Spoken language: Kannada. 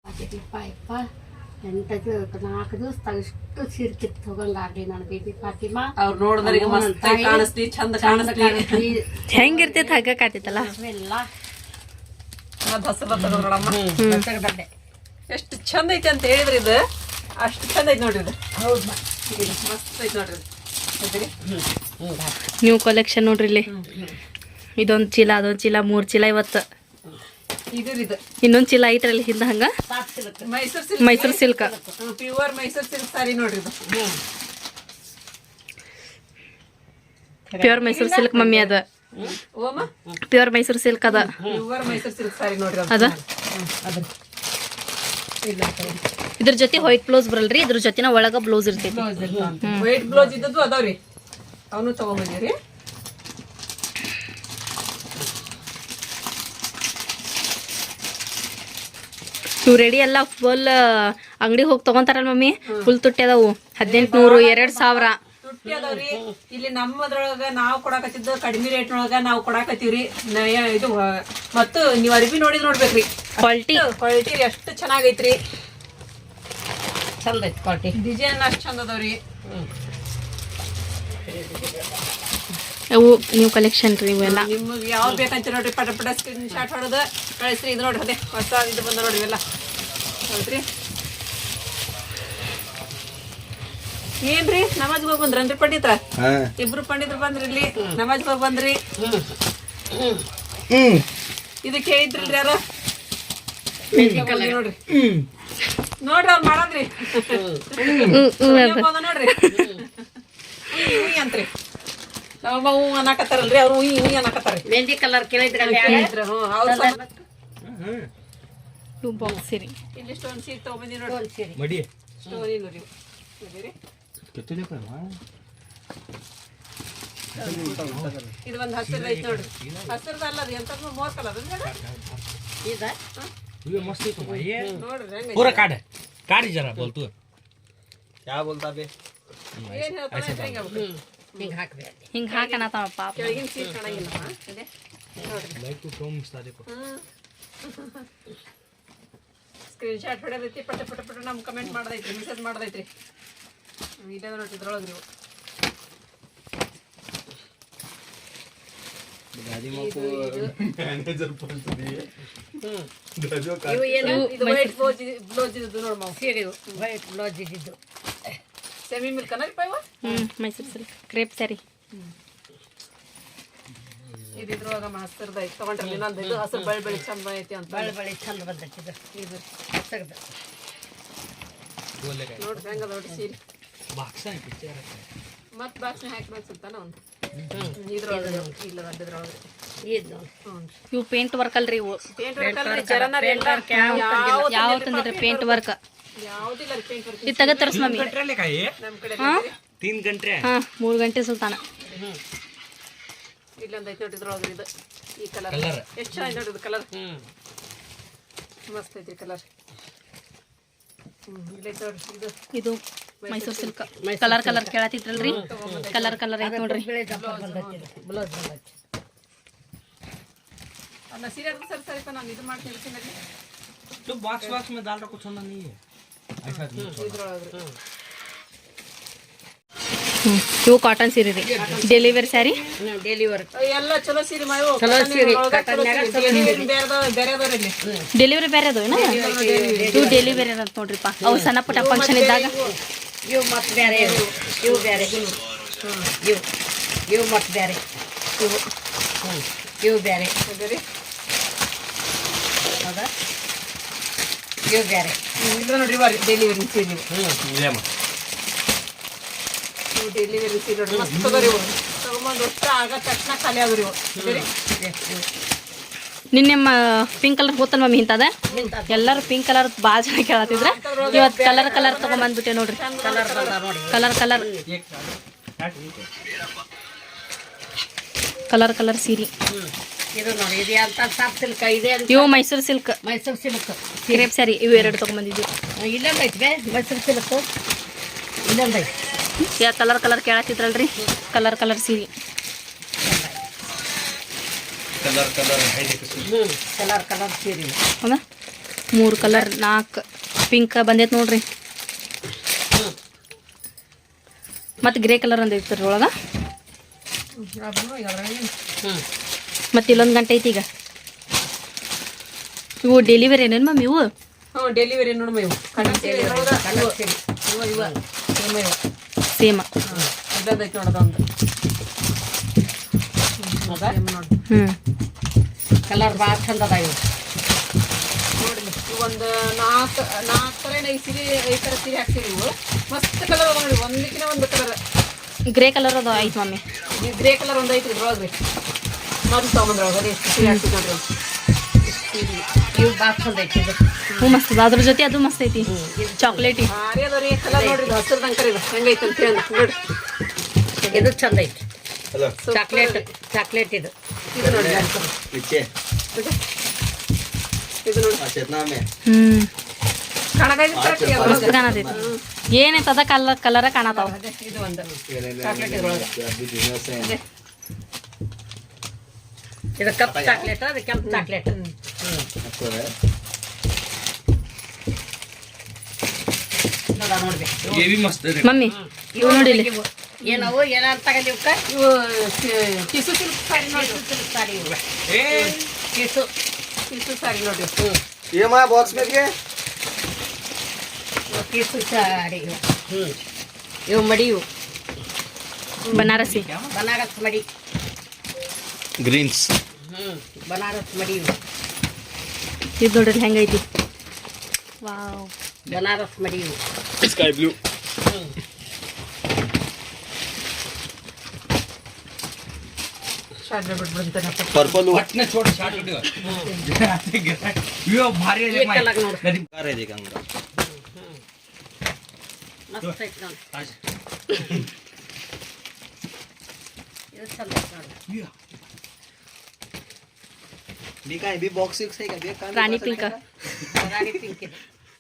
ಯಪ್ಪ ಎಂಟದು 4 ದಿವಸ ಇಷ್ಟು ಸೀರೆ ಕಿತ್ತು ಹೋಗಂಗಾಗ್ಲಿ ನನ್ನ ಬೇಬಿ ಫಾತಿಮಾ. ಅವ್ರು ನೋಡಿದ್ರಿಗೆ ಮಸ್ತ್ ಕಾಣಿಸ್ತಿ, ಚಂದ ಕಾಣಿಸ್ತಿ. ಹೆಂಗಿರ್ತೈತೆ ಹಗ್ಗಕ್ಕಾತಿತ್ತಲ್ಲ ಎಲ್ಲ ಹಸರ ತಗೋದ್ರಮ್ಮ. ಎಷ್ಟು ಚಂದ ಐತಿ ಅಂತ ಹೇಳಿದ್ರಿ, ಇದು ಅಷ್ಟು ಚಂದ ಐತಿ ನೋಡ್ರಿ. ಇದು ಹೌದು ಇದು ಮಸ್ತ್ ಐತಿ ನೋಡ್ರಿ. ನ್ಯೂ ಕಲೆಕ್ಷನ್ ನೋಡ್ರಿ ಇಲ್ಲಿ. ಇದೊಂದು ಚೀಲ, ಅದೊಂದು ಚೀಲ, 3 ಚೀಲ ಇವತ್ತು. ಇದು ಇನ್ನೊಂದು ಚೀಲ ಐತ್ರಲ್ಲಿ ಹಿಂದ ಹಂಗ Mysore silk, pure Mysore silk sari ನೋಡ್ರಿ. ಇದು ಪ್ಯೂರ್ ಮೈಸೂರು ಸಿಲ್ಕ್ ಮಮ್ಮಿ ಅದ. ಓಮ ಪ್ಯೂರ್ ಮೈಸೂರು ಸಿಲ್ಕ್ ಅದ. ಪ್ಯೂರ್ ಮೈಸೂರು ಸಿಲ್ಕ್ ಸಾರಿ ನೋಡ್ರಿ. ಅದ ಇದ್ರ ಜೊತೆ ವೈಟ್ ಬ್ಲೌಸ್ ಬರಲ್ರಿ, ಇದ್ರ ಜೊತೆನ ಒಳಗ ಬ್ಲೌಸ್ ಇರ್ತೈತಿ. ವೈಟ್ ಬ್ಲೌಸ್ ಇದ್ದದ್ದು ಅದಾವ್ರಿ, ಅವನು ತಗೊಂಬಂದಿರಿ. ಇವು ರೆಡಿ ಎಲ್ಲ ಫುಲ್ ಅಂಗಡಿಗೆ ಹೋಗಿ ತಗೊಂತಾರಲ್ಲ ಮಮ್ಮಿ, ಫುಲ್ ತುಟ್ಟಿ ಅದಾವು. 1800 2000 ತುಟ್ಟಿ ಅದಾವ್ರಿ. ಇಲ್ಲಿ ನಮ್ಮದ್ರೊಳಗ ನಾವು ಕೊಡಾಕತ್ತಿದ್ದು ಕಡಿಮೆ ರೇಟ್ನೊಳಗ ನಾವು ಕೊಡಾಕತ್ತೀವ್ರಿ. ಇದು ಮತ್ತು ನೀವು ಅರ್ಬಿ ನೋಡ್ಬೇಕ್ರಿ, ಕ್ವಾಲಿಟಿ ಎಷ್ಟು ಚೆನ್ನಾಗೈತ್ರಿ. ಚಂದ ಐತಿ ಕ್ವಾಲಿಟಿ, ಡಿಸೈನ್ ಅಷ್ಟು ಚಂದ ಅದಾವ್ರಿ. ಅವು ನ್ಯೂ ಕಲೆಕ್ಷನ್ ರೀ ಇವೆಲ್ಲ. ನಿಮ್ಗೆ ಯಾವ್ದು ಬೇಕಂತ ನೋಡ್ರಿ, ಪಟ ಪಟ ಸ್ಕ್ರೀನ್ ಶಾಟ್ ಹೊಡೆದು ಕಳಿಸ್ರಿ. ಇದು ನೋಡ್ರಿ, ಅದೇ ಹೊಸ ಇದು ಬಂದ ನೋಡ್ರಿ ಇವೆಲ್ಲ. ಹೌದ್ರಿ, ಏನ್ರಿ ನಮಾಜ್ಗೆ ಹೋಗಿ ಬಂದ್ರನ್ರಿ ಪಂಡಿತ್ರ? ಇಬ್ರು ಪಂಡಿತರು ಬಂದ್ರಿ ಇಲ್ಲಿ, ನಮಾಜ್ಗೆ ಹೋಗಿ ಬಂದ್ರಿ. ಇದಕ್ಕೆ ಹೇಳಿದ್ರಲ್ರಿ ಯಾರು? ನೋಡ್ರಿ ನೋಡ್ರಿ ಅವ್ರು ಮಾಡದ್ರಿ ನೋಡ್ರಿ ಅಂತ್ರಿ. ನಮ್ಮಮ್ಮ ಹೂ ಅನ್ನಕತ್ತಾರಲ್ರಿ, ಅವ್ರು ಹೂ ಅನ್ನಕತ್ತಾರ. ಮೆಹಂದಿ ಕಲರ್ ಕೇಳಿದ್ರಿ ಬಾಕ್ಸ್ ರೀ. ಇಲ್ಲಿ ಸ್ಟೋನ್ ಸೀಟ್ ತಗೊಂಬಂದಿ ನೋಡ್ರಿ. ಸ್ಟೋನ್ ನೋಡ್ರಿ, ಇದು ಒಂದು ಹಸಿರು ಐತಿ ನೋಡ್ರಿ. ಹಸಿರದ ಅಲ್ಲ, ಅದು ಎಂತ ಮೋರ್ ಕಲರ್ पूरा काट जरा बोल तू क्या बोलता बे ಏನ್ ಹೇಳ್ತಾನೆ ಹಿಂಗೆ ಹಾಕ್ಬೇಕು. ಹಿಂಗೆ ಹಾಕನತ್ತಾವ ಪಾಪ. ಕೆಳಗಿನ ಸೀಟ್ ಕಾಣಂಗಿಲ್ಲಮ್ಮ. ಇದೆ ನೋಡ್ರಿ, लाइक टू कम स्टार्ट को ಸ್ಕ್ರೀನ್ ಶಾಟ್ ಹೊಡೆದೈತಿ. ಪಟ ಪಟ ಪಟ ನಮ್ಗೆ ಕಮೆಂಟ್ ಮಾಡ್ದೈತ್ರಿ, ಮೆಸೇಜ್ ಮಾಡ್ದೈತ್ರಿ. ಇಲ್ಲೇ ನೋಡ್ರಿ ಇದ್ರೊಳಗೆ ನೀವು ಇವು ಏನು ಇದು ವೈಟ್ ಬ್ಲೌಸ್ ಇದ್ದು ನೋಡಿ ಮಾವು. ಸೀರೆ ವೈಟ್ ಬ್ಲೌಸ್ ಇದ್ದಿದ್ದು ಸೆಮಿ ಮಿಲ್ಕ್ ಅನ್ನರಿಪ್ಪ ಇವ. Mysore silk crepe sari. ಇದು ಇದ್ರೊಳಗ ಹಸಿರ್ದ ಐತಿ ತಗೊಂಡ್ರಿ. ಇನ್ನೊಂದು ಇದು ಹಸಿರು ಬಳಿ ಚಂದ ಐತಿ ಅಂತ ಬಳಿ ಚಂದ ಬಂದೈತಿ ಇದು ಹಸಗದ. ನೋಡ್ರಿ ಹೆಂಗ ನೋಡ್ರಿ ಸೀರೆ. ಬಾಕ್ಸ್ है पिक्चर ಮತ್ ಬಾಕ್ಸ್ ಹಾಕ್ಬೇಕು ಸುತ್ತಾನ ಒಂದು ಇದ್ರೊಳಗೆ ಇಲ್ಲ ಅದ್ರೊಳಗೆ ಇದು ಇವು ಪೇಂಟ್ ವರ್ಕ್ ಅಲ್ರಿ. ಇವು ಪೇಂಟ್ ವರ್ಕ್ ಅಲ್ರಿ, ಜರನರ್ ಎಲ್ಲ ಯಾವ ತಂದಿದ್ರಿ ಪೇಂಟ್ ವರ್ಕ್? ಯಾವುದಿಲ್ಲ ರೀ ಪೇಂಟ್ ವರ್ಕ್. ಇದು ತೆಗೆದು ತೋರಿಸ್ ಮಮ್ಮಿ. ನಮ್ಮ ಕಡೆ 3 घंटे ಹಾ 3 ಗಂಟೆ ಸುಲ್ತಾನ. ಇಲ್ಲೊಂದು ಐತಿ ನೋಡ್ರಿ ಇದ್ರೊಳಗೆ. ಇದು ಈ ಕಲರ್ ಎಷ್ಟು ಚೆನ್ನಾಗಿ ನೋಡ್ರಿ, ಇದು ಕಲರ್ ಮಸ್ತ್ ಐತಿ ಕಲರ್. ಇಲ್ಲೈತಿ ನೋಡ್ರಿ ಇದು. ಇದು ಮೈಸೂರು ಸಿಲ್ಕ್ ಕಲರ್ ಕೇಳತ್ತಿದ್ರಲ್ರಿ, ಕಲರ್ ಐತಿ ನೋಡ್ರಿ. ಬ್ಲೌಸ್ ಬಂದೈತಿ. ಅಲ್ಲ ಸೀರೆ ಸರಿ ಸರಿಪ ನಾನು ಇದು ಮಾಡ್ತೀನಿ ಸೀರೆ. तो बॉक्स में डाल रहा कुछ होना नहीं है ऐसा ಇದ್ರೊಳಗೆ ಇವು ಕಾಟನ್ ಸೀರೆ ರೀ, ಡೆಲಿವರಿ ಸ್ಯಾರಿ. ಡೆಲಿವರಿ ಎಲ್ಲ ಚಲೋ ಸೀರೆ ಮಾವು. ಚಲೋ ಸೀರೆ ಬೇರೆ ಇಲ್ಲಿ ಡೆಲಿವರಿ ಬೇರೆ ಅದು ಏನ? ಇವು ಡೆಲಿವರಿ ಅಂತ ನೋಡ್ರಿಪ್ಪ. ಅವು ಸಣ್ಣ ಪುಟ್ಟ ಫಂಕ್ಷನ್ ಇದ್ದಾಗ. ಇವು ಮತ್ತೆ ಬೇರೆ, ಇವು ಬೇರೆ, ಇವು ಮತ್ತೆ ಬೇರೆ, ಇವು ಬೇರೆ ಹೌದಾ? ಇವು ಬೇರೆ. ಇದು ನೋಡ್ರಿ ಡೆಲಿವರಿ ಸೀರೆ. ಇವು ಡೆಲಿವರಿ ಸೀರೆ ನೋಡ್ರಿ, ಮಸ್ತ್ ತಗೋರಿ. ಇವು ತಗೊಂಬಂದು ಅಷ್ಟ ಆಗ ತಕ್ಷಣ ಖಾಲಿ ಆಗೋರಿ. ಇವು ನಿನ್ನೆ ಪಿಂಕ್ ಕಲರ್ ಗೊತ್ತಲ್ ಮಮ್ಮಿ ಇಂತದ. ಎಲ್ಲರೂ ಪಿಂಕ್ ಕಲರ್ ಭಾಳ ಜನ ಕೇಳತ್ತಿದ್ರ. ಇವತ್ತು ಕಲರ್ ತಗೊಂಬಂದ್ಬಿಟ್ಟೆ ನೋಡ್ರಿ. ಕಲರ್ ಸೀರೆ. ಇದು ನೋಡಿ, ಇದು ಅಂತ ಸಾಫ್ ಸಿಲ್ಕ್ ಇದೆ. ಇವು ಮೈಸೂರು ಸಿಲ್ಕ್ ಕ್ರೇಪ್ ಸ್ಯಾರಿ. ಇವು 2 ತಗೊಂಬಂದಿದ್ವಿ. ಇಲ್ಲೊಂದು ಐತಿ ಬೇ ಮೈಸೂರು ಸಿಲ್ಕ್. ಇಲ್ಲೊಂದು ಐತಿ. ಯಾ ಕಲರ್ ಕೇಳತ್ತಿದ್ರಲ್ರಿ, ಕಲರ್ ಸೀರೆ. कलर है कलर सೀರೆ ಹೌದಾ? 3 ಕಲರ್ 4 ಪಿಂಕ್ ಬಂದೈತೆ ನೋಡ್ರಿ. ಮತ್ತು ಗ್ರೇ ಕಲರ್ ಒಂದು ಐತೆ ಒಳಗೆ. ಮತ್ತು ಇಲ್ಲೊಂದು ಗಂಟೆ ಐತಿ ಈಗ. ಇವು ಡೆಲಿವರಿ ಏನೇನು ಮಮ್ಮಿ ಇವು? ಹ್ಞೂ ಡೆಲಿವರಿ ನೋಡಮ್ಮ ಇವು ಸೇಮ್. ಇದೈತೆ ನೋಡೋದೊಂದು ಹ್ಞೂ ಕಲರ್ ಭಾಳ ಚಂದ ಅದ ಇವು. ನೋಡಿ ಒಂದು 4 ಥರ 5 ಸೀರೆ 5 ಥರ ಸೀರೆ ಹಾಕ್ತೀರಿ ಇವು. ಮಸ್ತ್ ಕಲರ್ ಅದ ನೋಡಿ, ಒಂದಕ್ಕಿಂತ ಒಂದು ಕಲರ್. ಗ್ರೇ ಕಲರ್ ಅದು ಐತೆ ಮಮ್ಮಿ. ಗ್ರೇ ಕಲರ್ ಒಂದು ಐತ್ರಿ ಇದ್ರೊಳಗ್ರಿ. ಮೊದಲು ತೊಗೊಂಬಂದ್ರೊಳಗೆ ಅದೇ ಎಷ್ಟು ಸೀರೆ ಹಾಕ್ತೀವಿ ನೋಡ್ರಿ. ಇವು ಭಾಳ ಚಂದ ಐತಿ ಇದು. ಹ್ಞೂ ಮಸ್ತ್ ಅದ. ಅದ್ರ ಜೊತೆ ಅದು ಮಸ್ತ್ ಐತಿ ಚಾಕ್ಲೇಟಿ. ಭಾರಿ ಅದ ರೀ ಕಲರ್ ನೋಡ್ರಿ, ಹಸಿರು ಕರಿ ಹೆಂಗೈತೆ ಅಂತ ಹೇಳಿ ನೋಡ್ರಿ. ಇದು ಚಂದ ಐತಿ. ಹಲೋ ಚಾಕ್ಲೇಟ್ ಇದು. ಇದು ನೋಡಿ ನಿಚ್ಚೆ ಇದು ನೋಡಿ ಚೇತನಾಮೆ ಹ್ಞೂ ಕಾಣಕೈತಿ ಮಸ್ತ್ ಕಾಣತೈತಿ. ಏನೈತೆ ಅದ ಕಲರ ಕಾಣತಾವ. ಇದು ಒಂದು ಚಾಕ್ಲೇಟ್ ಇದ್ರೊಳಗೆ. ಇದು ಕಪ್ಪು ಚಾಕ್ಲೇಟ್, ಅದು ಕೆಂಪು ಚಾಕ್ಲೇಟ್. ಏವಿ ಮಸ್ತ್ ರೀ. ಮಮ್ಮಿ ಇವು ನೋಡಿ ಇಲ್ಲಿ. ಏನವು ಏನಂತ ತಗೊಂಡಿ ಇವಕ್ಕ? ಇವು ಟಿಸು ಸಿಲ್ಕ್ ಸಾರಿ ನೋಡ್ರಿ. ಸಾರಿ ಇವು ಏ ಟಿಸು ಸಾರಿ ನೋಡ್ರಿ. ಏಮಾ ಬಾಕ್ಸ್ ಮೇಲ್ಗೆ ಕಿಸು ಸಾರಿ ಇವು. ಇವು ಮಡಿ ಇವು ಬನಾರಸಿ. ಬನಾರಸ್ ಮಡಿ. ಗ್ರೀನ್ಸ್ ಬನಾರಸ್ ಮಡಿ ಇವು. ಇದು ನೋಡ್ರಿ ಹೆಂಗೈತಿ. ವಾವ್ ಬನಾರಸ್ ಮಡಿ ಇವು. ಸ್ಕೈ ಬ್ಲೂ ಶಾರ್ಟ್ ಬಿಟ್ಬಿಡ್ತಾನೆ. पर्पल वाटने छोड़ शॉट वीडियो यो भारी आहे एक कलाक ನೋಡು. कधी कार आहे गंगा ಮಸ್ತ್ ಐತಿ ನೋಡಿ. ಇದು ಚಂದ ಐತಿ ನೋಡಿ. मी काय बी बॉक्स आहे का बी ರಾಣಿ ಪಿಂಕ್. ರಾಣಿ ಪಿಂಕ್ ಇದು.